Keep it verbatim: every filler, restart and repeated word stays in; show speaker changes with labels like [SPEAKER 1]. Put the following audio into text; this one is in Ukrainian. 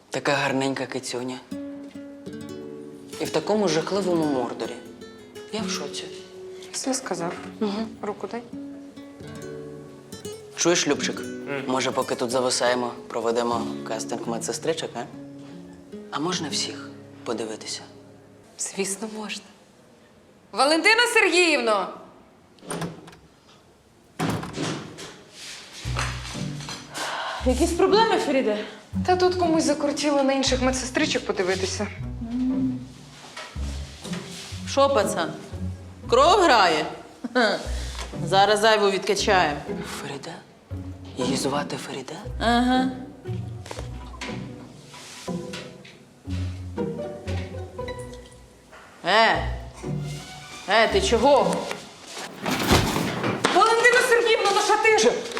[SPEAKER 1] Така гарненька кицюня. І в такому жахливому мордорі. Я в шоці.
[SPEAKER 2] Все сказав. Угу. Руку дай.
[SPEAKER 1] Чуєш, Любчик? Може, поки тут зависаємо, проведемо кастинг медсестричок, а? А можна всіх подивитися?
[SPEAKER 2] Звісно, можна. Валентина Сергіївно!
[SPEAKER 3] Якісь проблеми, Феріде?
[SPEAKER 2] Та тут комусь закрутіло на інших медсестричок подивитися.
[SPEAKER 3] Що, пацан? Кров грає? Ха. Зараз зайву відкачаємо.
[SPEAKER 1] Феріде? Її звати Феріде?
[SPEAKER 3] Ага. Е! Е, ти чого?
[SPEAKER 2] Валентина Сергіївна, ну що ти?